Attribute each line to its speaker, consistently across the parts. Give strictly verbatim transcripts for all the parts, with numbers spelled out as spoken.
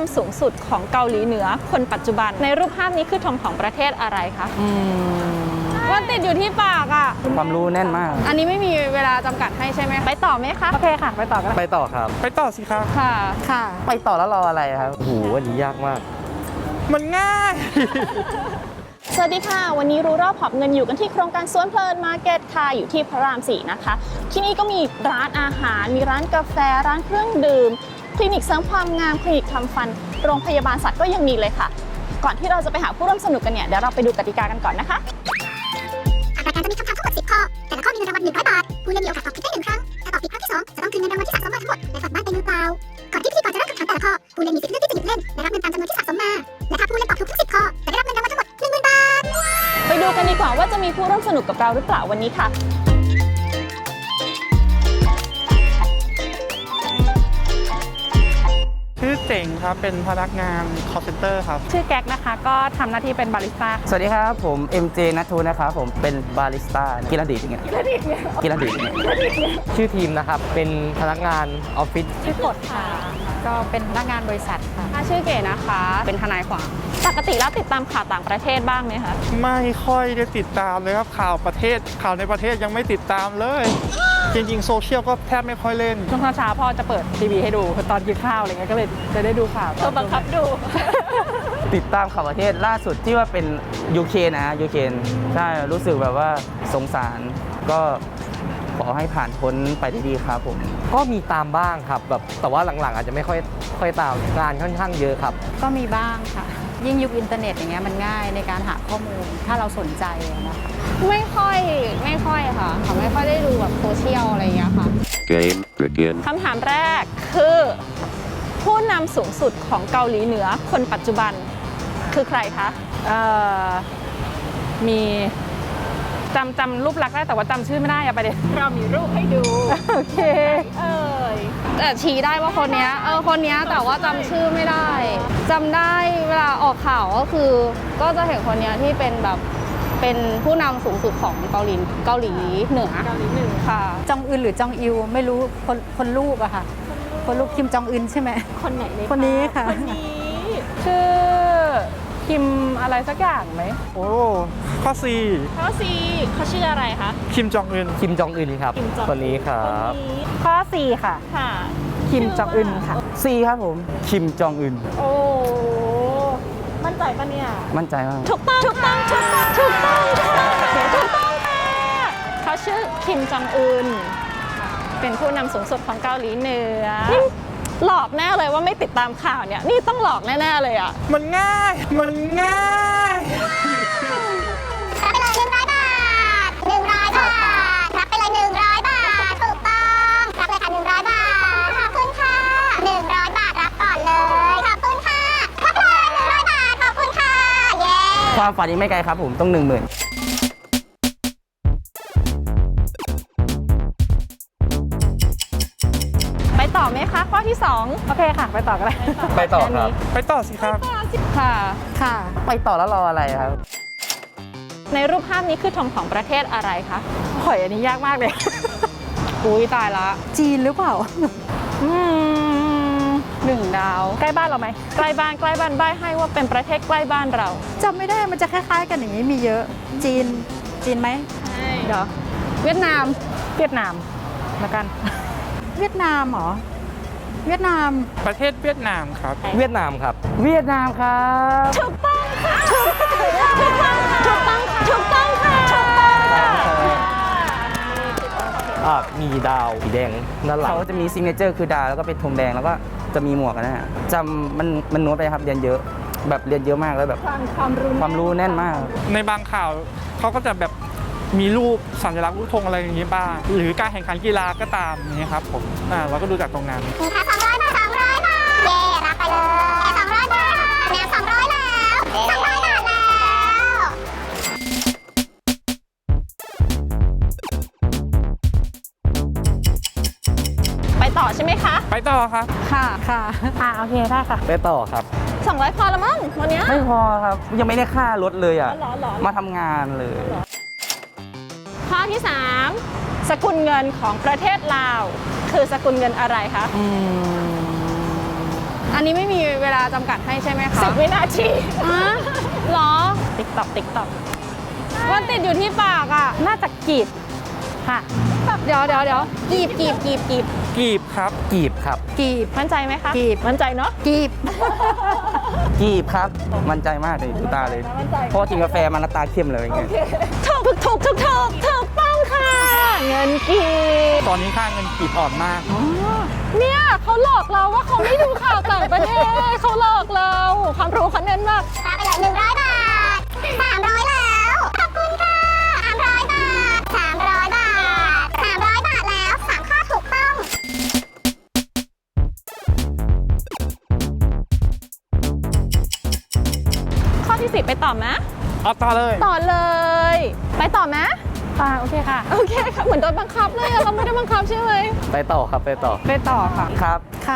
Speaker 1: ำสูงสุดของเกาหลีเหนือคนปัจจุบันในรูปภาพนี้คือธงของประเทศอะไรคะมันติดอยู่ที่ปากอ่ะ
Speaker 2: ความรู้แน่นมาก
Speaker 1: อันนี้ไม่มีเวลาจำกัดให้ใช่ไหมไปต่อไหมคะโอเคค่ะไปต่อกัน
Speaker 2: ไปต่อครับ
Speaker 3: ไปต่อสิครับ
Speaker 1: ค่ะค่ะ
Speaker 2: ไปต่อแล้วรออะไรครับโอ้โหอันนี้ยากมาก
Speaker 3: มันง่าย
Speaker 1: สวัสดีค่ะวันนี้รู้รอบหอบเงินอยู่กันที่โครงการสวนเพลินมาร์เก็ตค่ะอยู่ที่พระรามสี่นะคะที่นี่ก็มีร้านอาหารมีร้านกาแฟร้านเครื่องดื่มคลินิกเสริมความงามคลินิกทำฟันโรงพยาบาลสัตว์ก็ยังมีเลยค่ะก่อนที่เราจะไปหาผู้ร่วมสนุกกันเนี่ยเดี๋ยวเราไปดูกติกากันก่อนนะคะ
Speaker 4: รายการจะมีคำถามทั้งหมดสิบข้อแต่ละข้อมีเงินรางวัลหนึ่งร้อยบาทผู้เล่นมีโอกาสตอบผิดได้หนึ่งครั้งถ้าตอบผิดครั้งที่สองจะต้องคืนเงินรางวัลที่สะสมมาทั้งหมดและกลับบ้านไปมือเปล่าก่อนที่พิธีกรจะเริ่มคำถามแต่ละข้อผู้เล่นมีสิทธิ์เลือกที่จะหยุดเล่นและรับเงินตามจำนวนที่สะสมมาและถ้าผู้เล่นตอบถูกทุกสิบข้อจะได้รับเงินรางวัลทั้งหมดหนึ่งหมื่นบาท
Speaker 1: ไปดูกันดีกว่าว่าจะมีผู้ร่วมสนุกกับเราหรือเปล่าวันนี้ค่ะ
Speaker 3: ชื่อเจ๋งครับ เป็นพนักงาน call center ครับ
Speaker 5: ชื่อแก๊กนะคะก็ทำหน้าที่เป็นบาริสต้า
Speaker 2: สวัสดีครับผม เอ็ม เจ นัททูนะครับผมเป็นบาริสต้ากีฬาดีดอย่างเงี้ยกีฬาดีดกีฬาดีดชื่อทีมนะครับเป็นพนักงานออฟฟิศ
Speaker 5: ชื่อกดค่ะก็เป็นพนักงานบริษัทค่ะ
Speaker 1: ชื่อเก๋นะคะเป็นทนายความปกติแล้วติดตามข่าวต่างประเทศบ้างไหมคะ
Speaker 3: ไม่ค่อยได้ติดตามเลยครับข่าวประเทศข่าวในประเทศยังไม่ติดตามเลย จริงๆโซเชียลก็แทบไม่ค่อยเล่น
Speaker 5: ช่วงเช้าๆพ่อจะเปิดทีวีให้ดูตอนกินข้าวอะไรเงี้ยก็เลยจะได้ดูข่าว
Speaker 1: เธอบังคับดู
Speaker 2: ติดตามข่าวประเทศล่าสุดที่ว่าเป็นยูเครนนะฮะยูเครนใช่รู้สึกแบบว่าสงสารก็ขอให้ผ่านพ้นไปได้ดีครับผมก็มีตามบ้างครับแบบแต่ว่าหลังๆอาจจะไม่ค่อยค่อยตามงานค่อนข้างเยอะครับ
Speaker 5: ก็มีบ้างค่ะ ยิ่งยุคอินเทอร์เน็ตอย่างเงี้ยมันง่ายในการหาข้อมูลถ้าเราสนใจนะคะ
Speaker 1: ไม่ค่อยไม่ค่อยค่ะเขาไม่ค่อยได้ดูแบบโซเชียลอะไรอย่างเงี้ยค่ะ
Speaker 6: Game begin
Speaker 1: คำถามแรกคือผู้นำสูงสุดของเกาหลีเหนือคนปัจจุบันคือใครคะ
Speaker 5: เอ่อมีจำจำรูปลักษณ์ได้แต่ว่าจำชื่อไม่ได้อะประเด็น
Speaker 1: เรามีรูปให้ดู
Speaker 5: โอเค
Speaker 1: เอ้ยแต่ชี้ได้ว่าคนเนี้ยเออคนเนี้ยแต่ว่าจำชื่อไม่ได้จำได้เวลาออกข่าวก็คือ ก็จะเห็นคนเนี้ยที่เป็นแบบเป็นผู้นำสูงสุดของเกาหลีเกาหลีเหนือเกาหลีเหนือค่ะ
Speaker 5: จองอึนหรือจองอิวไม่รู้คนคนลูกอะค่ะ คนลูกคิมจองอึนใช่ไหม
Speaker 1: คนไหนใน
Speaker 5: คนนี้ค่ะ
Speaker 1: คนนี้
Speaker 5: ชื่อคิมอะไรสักอย่างไหม
Speaker 3: โอ้ข้อ C
Speaker 1: ข้อซีเขาชื่ออะไรคะ
Speaker 3: คิมจองอึน
Speaker 2: คิมจองอึนครับ
Speaker 1: คิมจอง
Speaker 2: คนนี้ครับ
Speaker 1: คนนี้
Speaker 5: ข้อสี่ค่ะ
Speaker 1: ค่ะ
Speaker 5: คิมจองอึนค่ะ
Speaker 2: ซีครับผมคิมจองอึน
Speaker 1: โอ้มั่นใจปะเนี่ย
Speaker 2: มั่นใจมาก
Speaker 1: ถูกต้องถูกต้องถูกต้องถูกต้องถูกต้องถูกต้องค่ะเขาชื่อคิมจองอึนเป็นผู้นำสูงสุดของเกาหลีเหนือนี่หลอกแน่เลยว่าไม่ติดตามข่าวเนี่ยนี่ต้องหลอกแน่ๆเลยอ่ะ
Speaker 3: มันง่าย มันง่าย
Speaker 4: รับไปเลยหนึ่งร้อยบาทหนึ่งร้อยบาทรับไปเลยหนึ่งร้อยบาทถูกต้องรับเลยค่ะหนึ่งร้อยบาทขอบคุณค่ะหนึ่งร้อยบาทรับก่อนเลยขอบคุณค่ะรับเลยหนึ่งร้อยบาทขอบคุณค่ะเย้
Speaker 2: ความฝันยังไม่ไกลครับผมต้องหนึ่งหมื่น
Speaker 1: ไปต่อไหมคะข้อที่สอง
Speaker 5: โอเคค่ะ ไปต่อกันเลย
Speaker 2: ไปต่อครับ
Speaker 3: ไปต่อสิครับ
Speaker 1: ค่ะ
Speaker 5: ค่ะ
Speaker 2: ไปต่อแล้วรออะไรครับ
Speaker 1: ในรูปภาพนี้คือธงของประเทศอะไรคะ
Speaker 5: หอยอันนี้ยากมากเลย
Speaker 1: อุ้ยตายละ
Speaker 5: จีนหรือเปล่า
Speaker 1: อืมหนึ่งดาว
Speaker 5: ใกล้บ้านเราไหม
Speaker 1: ใกล้บ้านใกล้บ้านใบ้ให้ว่าเป็นประเทศใกล้บ้านเรา
Speaker 5: จำไม่ได้มันจะคล้าย ๆ กันอย่างนี้มีเยอะ จีน จีนไหม
Speaker 1: เดี๋ยวเวียดนาม
Speaker 5: เวียดนามแล้วกัน เวียดนามเหรอ เวียดนาม
Speaker 3: ประเทศเวียดนามครับ
Speaker 2: เวียดนามครับ เวียดนามครับ
Speaker 1: ถูกต้องค่ะถูกต้องค่ะถูกต้องค่ะถูกต้องค่ะถูกต้องค่ะ
Speaker 2: อ่ามีดาวสีแดงด้านหลังเขาจะมีซิงเกิลคือดาวแล้วก็เป็นธงแดงแล้วก็จะมีหมวกนะฮะจำมันมันน้อยไปครับเรียนเยอะ แบบเรียนเยอะมากแล้วแบบ
Speaker 1: ความความรู้
Speaker 2: ความรู้แน่นมาก
Speaker 3: ในบางข่าวเขาก็จะแบบมีรูปสัญลักษณ์รูปธงอะไรอย่างนี้บ้างหรือการแข่งขันกีฬาก็ตามอย่างนี้ครับผมอ่าเราก็ดูจากตรงนั้น
Speaker 4: มีค่ะสองร้อยบาทสองร้อยบาทเย้รับไปเลยสองร้อยบาทแนวสองร้อยแล้วสองร้อยบาทแล้ว
Speaker 1: ไปต่อใช่ไหมคะ
Speaker 3: ไปต่อครับ
Speaker 1: ค่ะ
Speaker 5: ค่ะ อ่าโอเคได้ค่ะ
Speaker 2: ไปต่อครับ
Speaker 1: สองร้อยพอแล้วมั้งวันเนี้ย
Speaker 2: ไม่พอครับ ยังไม่ได้ค่ารถเลยอ่ะ
Speaker 1: อ๋อเหรอเหรอ
Speaker 2: มาทำงานเลย
Speaker 1: ข้อที่สามสกุลเงินของประเทศลาว คือสกุลเงินอะไรคะ
Speaker 2: อืม
Speaker 5: อันนี้ไม่มีเวลาจำกัดให้ใช่ไหมคะ
Speaker 1: สิบวินาที
Speaker 5: อ่ะเหรอ
Speaker 1: ติ๊กตอกติ๊กตอก
Speaker 5: มันติดอยู่ที่ปากอ่ะ น่าจะกีบค่ะ เดี๋ยวเดี๋ยวเดี๋ยวกีบกีบกีบกีบ
Speaker 3: กีบครับ
Speaker 2: กีบครับ
Speaker 5: กีบ
Speaker 1: มั่นใจไหมคะ
Speaker 5: กีบ
Speaker 1: มั่นใจเนาะ
Speaker 5: กีบ
Speaker 2: กีบครับ มั่นใจมากเลยดูตาเลย เพราะกินกาแฟมันตาเข้มเลยไง
Speaker 1: ถูกถูกถูกถูกถูกถูกต้องค่ะ เงินกีบ
Speaker 3: ตอนนี้ค่าเงินกีบอ่อนมาก
Speaker 5: เนี่ยเขาหลอกเราว่าเขาไม่ดูข่าวต่างประเทศเขาหลอกเราความรู้เขาเน้นมาก
Speaker 4: รับไปเลยหนึ่งร้อยบาทสามร้อยแล้ว ขอบคุณค่ะสามร้อยบาทสามร้อยบาทสามร้อยบาทแล้วสามข้อถูกต้อง
Speaker 1: ข้อที่สิบไปต่อไหม
Speaker 3: เอาต่อเลย
Speaker 1: ต่อเลย ไปต่อไหม
Speaker 5: ค่ะโอเคค่ะ
Speaker 1: โอเคค่ะ เหมือนโดนบังคับเลยอะเราไม่ได้บังคับใช่ไหม
Speaker 2: ไปต่อครับไปต่อ
Speaker 5: ไปต่อค่ะ
Speaker 2: ครับ
Speaker 5: ค่ะ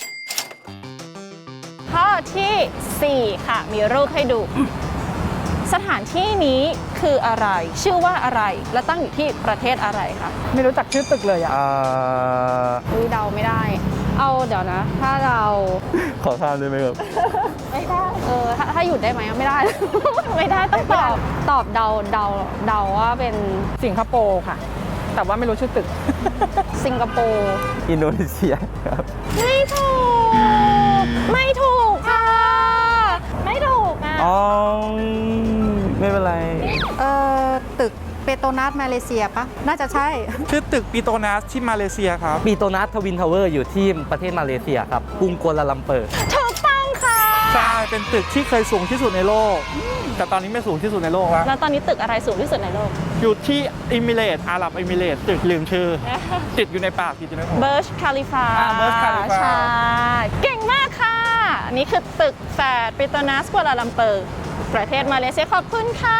Speaker 1: ข้อที่สี่ค่ะ มีรูปให้ดู สถานที่นี้คืออะไร ชื่อว่าอะไร และตั้งอยู่ที่ประเทศอะไรคะ
Speaker 5: ไม่รู้จักชื่อตึกเลยอ่ะ
Speaker 2: เอ่อ
Speaker 5: อุ้ยเดาไม่ได้ เอาเดี๋ยวนะ ถ้าเรา
Speaker 2: ขอข้ามได้ไหมครับ
Speaker 1: ไม่ได้
Speaker 5: เออถ้าถ้าหยุดได้ไหมไม่ได้
Speaker 1: ไม่ได้ต้องตอบ
Speaker 5: ตอบเดาเดาเดาว่าเป็นสิงคโปร์ค่ะ แต่ว่าไม่รู้ชื่อตึก สิงคโปร์
Speaker 2: อินโดนีเซียครับ
Speaker 1: ไม่ถูก ไม่ถูกค่ะ ไม่ถูกอ่ะ
Speaker 2: อ๋อ ไม่เป็นไร
Speaker 6: เอ่อตึกเปโตรนัสมาเลเซียปะน่าจะใช่
Speaker 3: ชื่อตึกปีโตนัสที่มาเลเซียครับ
Speaker 2: ปีโตนัสทวินทาวเวอร์อยู่ที่ประเทศมาเลเซียครับกรุงกัวลาลัมเปอร์
Speaker 1: ถูกต้องค่ะ
Speaker 3: ใช่ เป็นตึกที่เคยสูงที่สุดในโลก แต่ตอนนี้ไม่สูงที่สุดในโลกแล้ว
Speaker 1: แล้วตอนนี้ตึกอะไรสูงที่สุดในโลก
Speaker 3: อยู่ที่อิมิเรตส์อาหรับอิมิเรตส์ตึกลืมชื่อ ติดอยู่ในปากติดอยู่ในหัว
Speaker 1: เบิร์ชคาลิฟา
Speaker 3: อ่า Burj Khalifa
Speaker 1: ใช่ เก่งมากค่ะ อันนี้คือตึกแฝดปิโตนัสกัวลาลัมเปอร์ ประเทศมาเลเซียขอบคุณค่ะ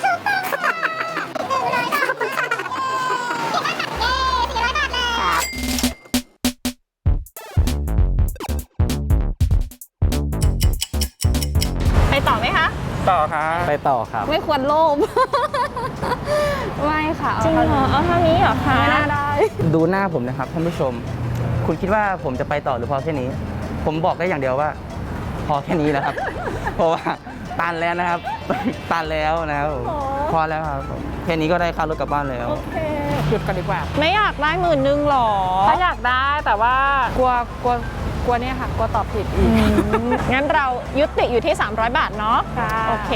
Speaker 1: ไปต่อไหมคะ
Speaker 3: ต่อครับ
Speaker 2: ไปต่อครับ
Speaker 5: ไม่ควรโลภ ไม่ค่ะ
Speaker 1: จริงเหรอ เอาเท่านี้เหรอคะ
Speaker 5: ไม่น่าได้
Speaker 2: ดูหน้าผมนะครับท่านผู้ชม คุณคิดว่าผมจะไปต่อหรือพอแค่นี้ ผมบอกได้อย่างเดียวว่า พอแค่นี้นะครับ เพราะว่าตันแล้วนะครับ ตันแล้วนะครับผมพอแล้วครับผมแค่นี้ก็ได้ค่ารถกลับบ้านแล้ว
Speaker 5: หยุดกันดีกว่า
Speaker 1: ไม่อยากได้หมื่นนึงหรอ
Speaker 5: ถ้าอยากได้แต่ว่ากลัวกลัวกลัวเนี่ยค่ะ กลัวตอบผิดอีก
Speaker 1: งั้นเรายุติอยู่ที่ สามร้อย บาทเนาะ
Speaker 5: ค่ะ
Speaker 1: โอเค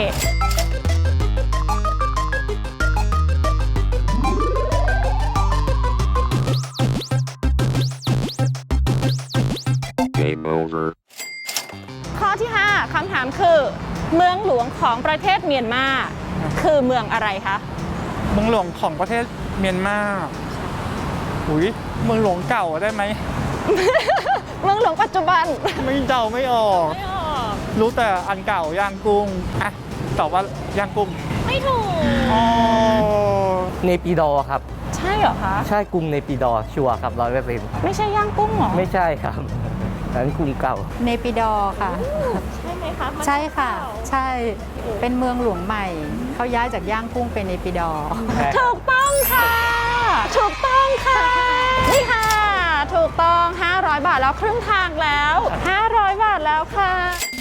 Speaker 7: Game over.
Speaker 1: ข้อที่ ห้าคำถามคือ เมืองหลวงของประเทศเมียนมาคือเมืองอะไรคะ
Speaker 3: เมืองหลวงของประเทศเมียนมาอุ้ยเมืองหลวงเก่าได้ไหม
Speaker 1: เมืองหลวงปัจจุบัน
Speaker 3: ไม่เดาไม่ออก
Speaker 1: ไม่ออก
Speaker 3: รู้แต่อันเก่าย่างกุ้ง อ่ะ ตอบว่าย่างกุ้ง
Speaker 1: ไม่ถูก
Speaker 3: อ๋อ
Speaker 2: เนปิดอร์ครับ
Speaker 1: ใช่เหรอคะ
Speaker 2: ใช่กรุงเนปิดอร์ชัวร์ครับร้อยเปอร์เซ็นต์
Speaker 1: ไม่ใช่ย่างกุ้งเหรอ
Speaker 2: ไม่ใช่ครับนั้นกรุงเก่า
Speaker 6: เนปิดอร์ค่ะ
Speaker 1: ใช่ไหมคะ
Speaker 6: ใช่ค่ะ ใช่ เป็นเมืองหลวงใหม่ เขาย้ายจากย่างกุ้งเป็นเนปิดอร์
Speaker 1: ถูกต้องค่ะ ถูกต้องค่ะ นี่ค่ะ ถูกต้อง ห้าร้อย บาทแล้วครึ่งทางแล้ว ห้าร้อย บาทแล้วค่ะ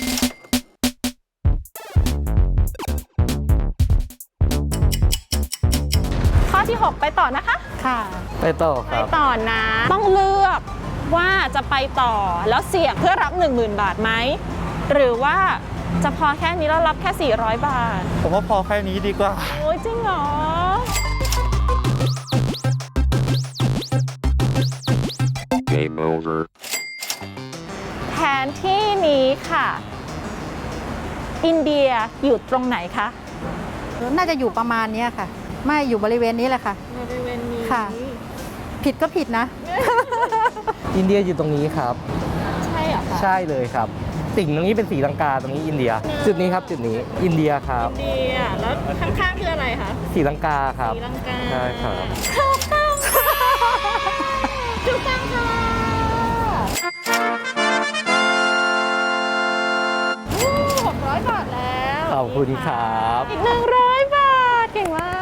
Speaker 1: ข้อที่ หก ไปต่อนะคะ
Speaker 6: ค่ะ
Speaker 2: ไปต่อค
Speaker 1: ไป
Speaker 2: รับ
Speaker 1: ต่อนะ ต้องเลือกว่าจะไปต่อแล้วเสี่ยงเพื่อรับ หนึ่งหมื่น บาทไหม หรือว่าจะพอแค่นี้แล้วรับแค่ สี่ร้อย บาท
Speaker 3: ผมว่าพอแค่นี้ดีกว่า
Speaker 1: โอ้ยจริงเหรอ
Speaker 7: Game over.
Speaker 1: แผนที่นี้ค่ะ อินเดียอยู่ตรงไหนคะ
Speaker 6: น่าจะอยู่ประมาณเนี้ยค่ะ ไม่อยู่บริเวณนี้แหละค่ะ
Speaker 1: บริเวณนี้
Speaker 6: ค่ะ ผิดก็ผิดนะ
Speaker 2: อินเดียอยู่ตรงนี้ครับ
Speaker 1: ใช่เหรอคะ
Speaker 2: ใช่เลยครับ ติ่งตรงนี้เป็นสีลังกาตรงนี้อินเดีย จุดนี้ครับจุดนี้อินเดียครับ
Speaker 1: อินเดียแล้วข้างๆคืออะไรคะ
Speaker 2: สีลังกาครับ
Speaker 1: ศรีลังกา
Speaker 2: ใช่ครับ
Speaker 1: ถูกต้องค่ะถูกต้องค่ะหกร้อยบาทแล้ว
Speaker 2: ขอบคุณครับ
Speaker 1: อีกหนึ่งร้อยบาท เก่งมาก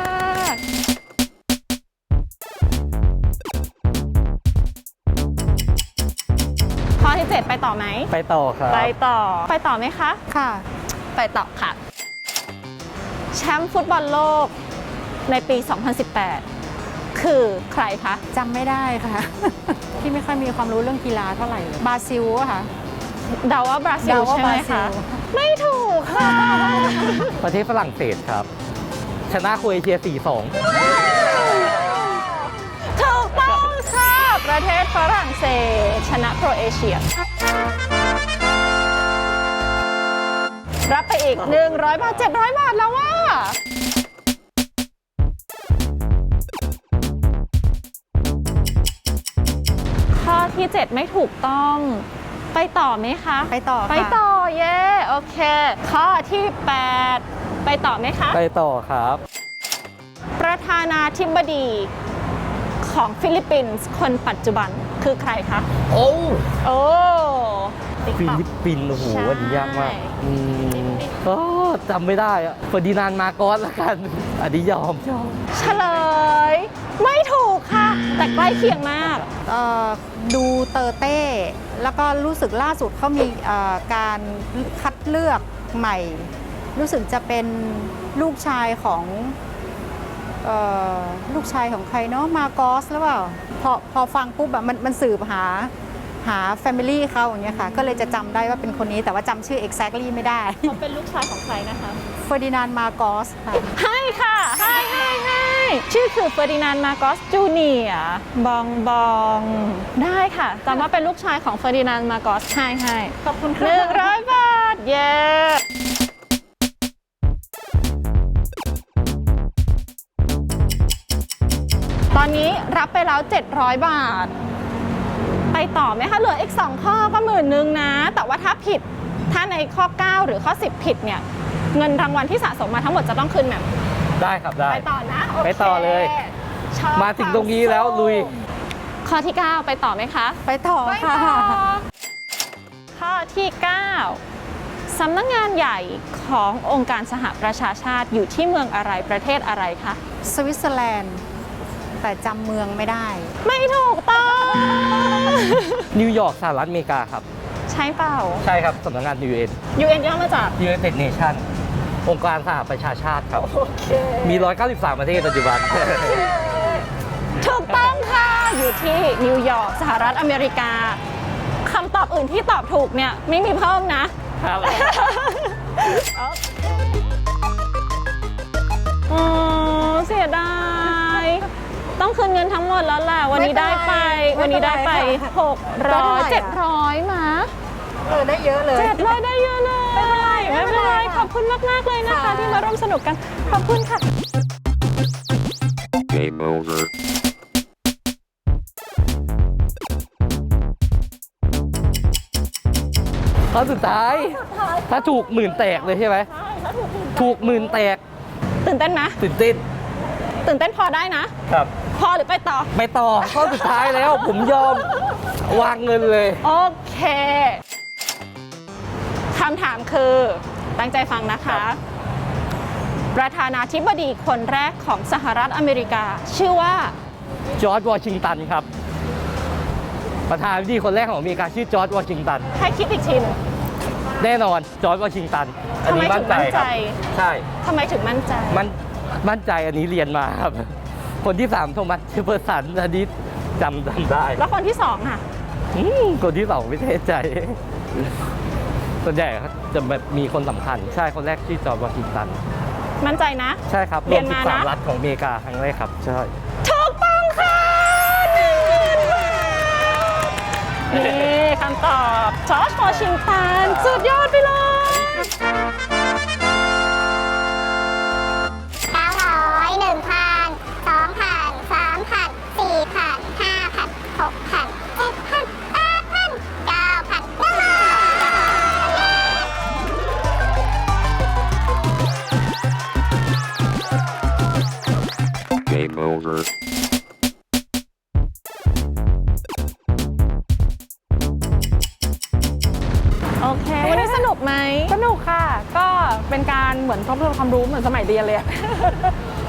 Speaker 1: ข้อที่ เจ็ดร็จไปต่อไหม
Speaker 2: ไปต่อครับ
Speaker 1: ไปต่อไปต่อไหมคะ
Speaker 6: ค่ะ
Speaker 1: ไปต่อค่ะ แชมป์ฟุตบอลโลกในปี สองพันสิบแปด คือใครคะ
Speaker 6: จำไม่ได้ค่ะ ที่ไม่ค่อยมีความรู้เรื่องกีฬาเท่าไหร่เลยบราซิลอะค่ะ
Speaker 1: เดาว่าบราซิล
Speaker 6: เดาว่า
Speaker 1: ใช่ไหม
Speaker 6: บราซิ
Speaker 1: คะ
Speaker 6: ล
Speaker 1: ไม่ถูกค่ะ
Speaker 2: ประเทศฝรั่งเศสครับ ชนะโครเอเชีย สี่สอง
Speaker 1: ถูกต้องค่ะ ประเทศฝรั่งเศสชนะโครเอเชีย รับไปอีก หนึ่งร้อย บาท เจ็ดร้อย บาทแล้วว่า ข้อที่ เจ็ด ไม่ถูกต้อง ไปต่อไหมคะ
Speaker 6: ไปต่อค่ะ
Speaker 1: ไปต่อ เย้โอเค ข้อที่ แปด ไปต่อไหมคะ
Speaker 2: ไปต่อครับ
Speaker 1: ประธานาธิบดีของฟิลิปปินส์คนปัจจุบันคือใครคะ
Speaker 2: โอ้
Speaker 1: โอ้ติ๊ก
Speaker 2: ฟิ
Speaker 1: ต๊อก
Speaker 2: ลิปปินส์โอ้โห
Speaker 1: ใช่
Speaker 2: อันนี้ยากมากอืมก็จำไม่ได้อะเฟอร์ดินานด์มาโกสละกัน อันนี้ยอมยอม
Speaker 1: เฉลย ไม่ถูกค่ะ แต่ใกล้เคียงมาก
Speaker 6: เอ่อดูเตอร์เต้ แล้วก็รู้สึกล่าสุดเขามีเอ่อการคัดเลือกใหม่ รู้สึกจะเป็นลูกชายของเอ่อลูกชายของใครเนาะมาโกสหรือเปล่าพอพอฟังปุ๊บแบบมันมันสืบหาหาแฟมิลี่เขาอย่างเงี้ยค่ะ ก็เลยจะจำได้ว่าเป็นคนนี้แต่ว่าจำชื่อ exactly ไม่ได้
Speaker 1: เขาเป็นลูกชายของใครนะคะ
Speaker 6: เฟอร์ดินานด์มาโกสค่ะ
Speaker 1: ให้ค่ะให้ให้ให้ชื่อคือเฟอร์ดินานด์มาโกสจูเนียร์บองบองได้ค่ะจำว่าเป็นลูกชายของเฟอร์ดินานด์มาโกสให้ให้ขอบคุณค่ะหนึ่งร้อยบาท เย้ตอนนี้รับไปแล้ว เจ็ดร้อย บาท ไปต่อไหมคะ เหลืออีก สอง ข้อก็หมื่นนึงนะ แต่ว่าถ้าผิด ถ้าในข้อ เก้า หรือข้อ สิบ ผิดเนี่ย เงินรางวัลที่สะสมมาทั้งหมดจะต้องคืนแบบ
Speaker 2: ได้ครับได้
Speaker 1: ไปต่อนะโอเค
Speaker 2: ไปต่อเลย
Speaker 1: ชอบ
Speaker 2: มาถึงตรงนี้แล้วลุย
Speaker 1: ข้อที่ เก้า ไปต่อไหมคะ
Speaker 6: ไปต่อ
Speaker 1: ไป
Speaker 6: ค่ะ
Speaker 1: ต่อ ข้อที่ เก้า สำนักงานใหญ่ขององค์การสหประชาชาติอยู่ที่เมืองอะไรประเทศอะไรคะ
Speaker 6: สวิตเซอร์แลนด์ แต่จำเมืองไม่ได้
Speaker 1: ไม่ถูกต้อง
Speaker 2: นิวยอร์กสหรัฐอเมริกาครับ
Speaker 1: ใช่เปล่า
Speaker 2: ใช่ครับสำนักงาน ยู เอ็น
Speaker 1: ยู เอ็น ย่อมาจาก
Speaker 2: United Nation องค์การสหประชาชาติครับ
Speaker 1: โอเค
Speaker 2: มี หนึ่งร้อยเก้าสิบสาม ประเทศปัจจุบัน
Speaker 1: ถูกต้องค่ะ อยู่ที่นิวยอร์กสหรัฐอเมริกาคำตอบอื่นที่ตอบถูกเนี่ย ไม่มีเพิ่มนะครับ โอ้เสียดาย ต้องคืนเงินทั้งหมดแล้วแหละ วันนี้ได้ไป
Speaker 6: ไม่เป็นไร
Speaker 1: วันนี้ได้ไป
Speaker 6: ไม่เป็นไรค่ะ
Speaker 1: หกร้อย
Speaker 6: ได้
Speaker 1: เจ็ด
Speaker 6: เท่าไหร่
Speaker 1: ร้อยมา
Speaker 6: เออได้เยอะเลย
Speaker 1: เจ็ดร้อยได้เยอะเลย ไม่เป็นไร ไม่เป็นไร ขอบคุณมาก ๆ เลยนะคะ
Speaker 6: ค่ะ
Speaker 1: ที่มาร่วมสนุกกัน ขอบคุณค่ะ
Speaker 7: Game over.
Speaker 2: ข้อสุดท้าย ถ้าถูกหมื่นแตกเลยใช่ไหม ถูกหมื่นแตก
Speaker 1: ตื่นเต้นไหม
Speaker 2: ตื่นเต้น
Speaker 1: ตื่นเต้นพอได้นะ
Speaker 2: ครับ
Speaker 1: พอหรือไปต่อ
Speaker 2: ไปต่อ ข้อสุดท้ายแล้ว ผมยอมวางเงินเลย
Speaker 1: โอเคคำถามคือตั้งใจฟังนะคะ ประธานาธิบดีคนแรกของสหรัฐอเมริกา ชื่อว่า
Speaker 2: จอร์จวอชิงตันครับ ประธานาธิบดีคนแรกของอเมริกาชื่อจอร์จวอชิงตัน
Speaker 1: ให้คิดอีกทีหนึง
Speaker 2: แน่นอนจอร์จวอชิงตัน อันนี้
Speaker 1: ทำไมถึ
Speaker 2: มั่น
Speaker 1: ง
Speaker 2: ใจ
Speaker 1: มั่น
Speaker 2: ค
Speaker 1: ใจ
Speaker 2: รับใช่
Speaker 1: ทำไมถึงมั่นใจ
Speaker 2: มันมั่นใจอันนี้เรียนมาครับ คนที่สามโทมัสเจฟเฟอร์สันอันนี้จำจำได้
Speaker 1: แล้วคนที่สองอ่ะ
Speaker 2: อืมคนที่สองไม่แน่ใจ ส่วนใหญ่เขาจะแบบมีคนสำคัญ ใช่คนแรกชื่อจอร์จวอชิงตัน
Speaker 1: มั่นใจนะ
Speaker 2: ใช่ครับ
Speaker 1: เรี
Speaker 2: รวย
Speaker 1: น
Speaker 2: ม
Speaker 1: มา
Speaker 2: สิบสาม
Speaker 1: นะ
Speaker 2: รัฐของอเมริกาครั้งแรกครับ ใช่
Speaker 1: ถูกต้องค่ะหนึ่งหมื่นบาทนี่คำตอบจอร์จวอชิงตันสุดยอดไปเลย
Speaker 4: เก้าร้อยหนึ่งพันสองพันสามพันสี่พันห้าพันหกพันเจ็ดพันแปดพันเก้าพันหนึ่งหมื่น
Speaker 7: Game over.
Speaker 1: โอเค วันนี้สนุกไหม
Speaker 5: สนุกค่ะ ก็เป็นการเหมือนทบทวนความรู้เหมือนสมัยเรียนเลยอะ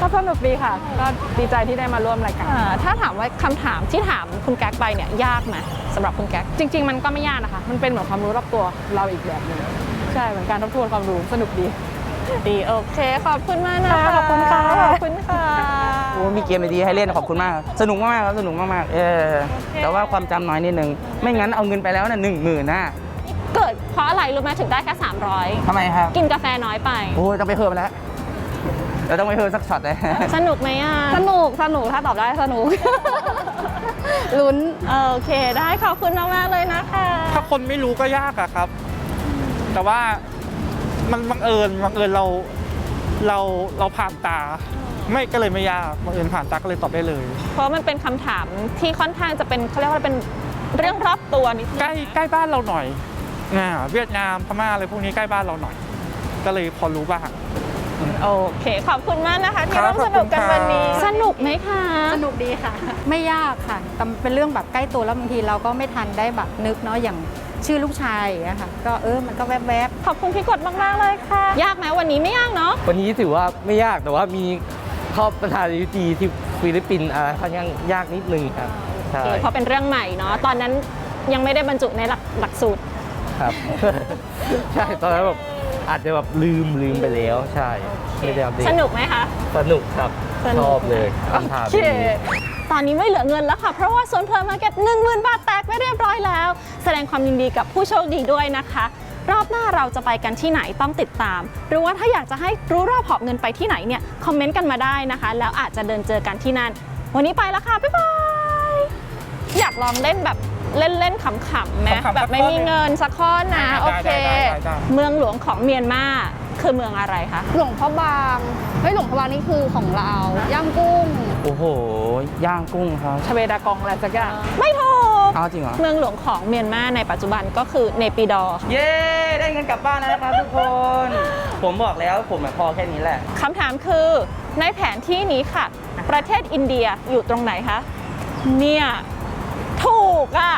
Speaker 5: ก็สนุกดีค่ะ ก็ดีใจที่ได้มาร่วมรายการ
Speaker 1: อ่าถ้าถามว่าคำถามที่ถามคุณแก๊กไปเนี่ยยากไหมสำหรับคุณแก๊ก
Speaker 5: จริง ๆ มันก็ไม่ยากนะคะ มันเป็นเหมือนความรู้รอบตัวเราอีกแบบหนึงใช่เหมือนการทบทวนความรู้สนุกดี
Speaker 1: ดีโอเค ขอบคุณมากนะคะ
Speaker 5: ขอบคุณค่ะ
Speaker 1: ขอบคุณค่ะ
Speaker 2: โอ้มีเกมดีๆให้เล่นขอบคุณมากครับสนุกมากๆครับสนุกมากๆเออแต่ว่าความจำน้อยนิดนึง ไม่งั้นเอาเงินไปแล้วน่ะหนึ่งหมื่นน่ะ
Speaker 1: เกิดเพราะอะไรรู้ไหมถึงได้แค่สามร้อย
Speaker 2: ทำไมครับ
Speaker 1: กินกาแฟน้อยไป
Speaker 2: โอ้ยต้องไปเพิ่มแล้วเราต้องไปเพิ่มสักช็อตเลย
Speaker 1: สนุกไหมอ่ะ
Speaker 5: สนุกสนุกถ้าตอบได้สนุก ลุ้น
Speaker 1: โอเค ได้ขอบคุณมากๆเลยนะคะ
Speaker 3: ถ้าคนไม่รู้ก็ยากอะครับ แต่ว่ามันบังเอิญบังเอิญเราเราเราผ่านตา ไม่ก็เลยไม่ยากบังเอิญผ่านตาก็เลยตอบได้เลย
Speaker 1: เพราะมันเป็นคำถามที่ค่อนข้างจะเป็นเขาเรียกว่าเป็นเรื่องรอบตัวนิดนึง
Speaker 3: ใกล้ใกล้บ้านเราหน่อยอ่าเวียดนามพม่าอะไรพวกนี้ใกล้บ้านเราหน่อย ก็เลยพอรู้บ้าง
Speaker 1: โอเค ขอบคุณมากนะคะ ที่
Speaker 3: ครั
Speaker 1: ร่
Speaker 3: บ
Speaker 1: วมสนุกกัน
Speaker 3: ขอบคุณครับ
Speaker 1: วันนี้ สนุกไหมคะ
Speaker 6: สนุกดีค่ะ ไม่ยากค่ะแต่มันเป็นเรื่องแบบใกล้ตัวแล้วบางทีเราก็ไม่ทันได้แบบนึกเนาะอย่างชื่อลูกชายอย่างเงี้ยค่ะ ก็เออมันก็แวบๆ
Speaker 1: ขอบคุณพี่กดมากๆเลยค่ะ ยากไหมวันนี้ไม่ยากเนาะ
Speaker 8: วันนี้ถือว่าไม่ยากแต่ว่ามีข้อประธานาธิบดีที่ฟิลิปปินส์อะไรค่อนข้างยากนิดนึงครับใช่
Speaker 1: โอเคเพราะเป็นเรื่องใหม่เนาะ ตอนนั้นยังไม่ได้บรรจุในหลักหลักสูตร
Speaker 8: ครับ ใช่ตอนนั้นแบบอาจจะแบบลืมลืมไปแล้วใช่ไม่ได้อัปเดต
Speaker 1: สนุกไหมคะ
Speaker 8: สนุกครับ
Speaker 1: สนุก
Speaker 8: ชอบเลยคำถาม
Speaker 1: โอเค
Speaker 8: นี้
Speaker 1: ตอนนี้ไม่เหลือเงินแล้วค่ะ เพราะว่าสวนเพลินมาร์เก็ตหนึ่งหมื่นบาทแตกไปเรียบร้อยแล้ว แสดงความยินดีกับผู้โชคดีด้วยนะคะ รอบหน้าเราจะไปกันที่ไหนต้องติดตาม หรือว่าถ้าอยากจะให้รู้รอบหอบเงินไปที่ไหนเนี่ยคอมเมนต์กันมาได้นะคะ แล้วอาจจะเดินเจอกันที่นั่น วันนี้ไปแล้วค่ะ บ๊ายบาย อยากลองเล่นแบบเล่นๆขำๆไหม
Speaker 3: ขำๆ
Speaker 1: แบบไม่มีเงินสักข้อนะ
Speaker 3: ได้
Speaker 1: โอเค
Speaker 3: ได้ได้ได้ได้
Speaker 1: เมืองหลวงของเมียนมาคือเมืองอะไรคะ
Speaker 5: หลวงพ่อบางเฮ้ยหลวงพ่อบางนี่คือของเราย่างกุ้ง
Speaker 2: โอ้โห ย่างกุ้งครับ
Speaker 5: ชเวดากองอะไรสักอย่าง
Speaker 1: ไม่ถูก
Speaker 2: เอาจริงเหรอ
Speaker 1: เมืองหลวงของเมียนมาในปัจจุบันก็คือเนปิดอร์
Speaker 2: เย้ ได้เงินกลับบ้านแล้วนะครับทุกคน ผมบอกแล้วผมอะพอแค่นี้แหละ
Speaker 1: คำถามคือในแผนที่นี้ค่ะ ประเทศอินเดียอยู่ตรงไหนคะ เนี่ย ถูกอ่ะ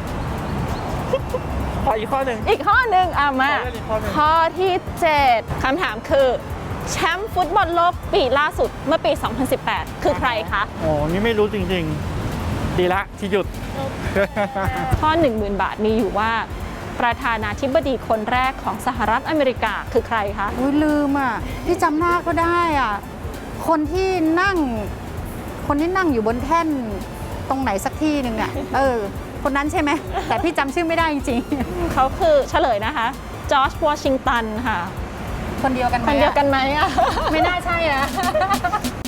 Speaker 3: ขออีกข้อหนึ่ง
Speaker 1: อีกข้อหนึ่งอ่ะมา
Speaker 3: ขอเลือกอีกข้อหนึ่ง
Speaker 1: ข้อที่เจ็ดคำถามคือ แชมป์ฟุตบอลโลกปีล่าสุดเมื่อปี สองพันสิบแปด คือใครคะ
Speaker 3: โอ้นี่ไม่รู้จริงๆ ดีละที่หยุด
Speaker 1: ข้อ หนึ่งหมื่น บาทมีอยู่ว่า ประธานาธิบดีคนแรกของสหรัฐอเมริกาคือใครคะ
Speaker 6: อุ้ยลืมอ่ะพี่จำหน้าก็ได้อ่ะคนที่นั่ง คนที่นั่งอยู่บนแท่นตรงไหนสักที่หนึ่งอ่ะเออ คนนั้นใช่ไหมแต่พี่จำชื่อไม่ได้จริง
Speaker 1: เขาคือเฉลยนะคะ จอร์จวอชิงตันค่ะ
Speaker 6: ๆ คนเดียวกันไหม
Speaker 1: คนเดียวกันไหมอ่ะ
Speaker 6: ไม่น่าใช่นะ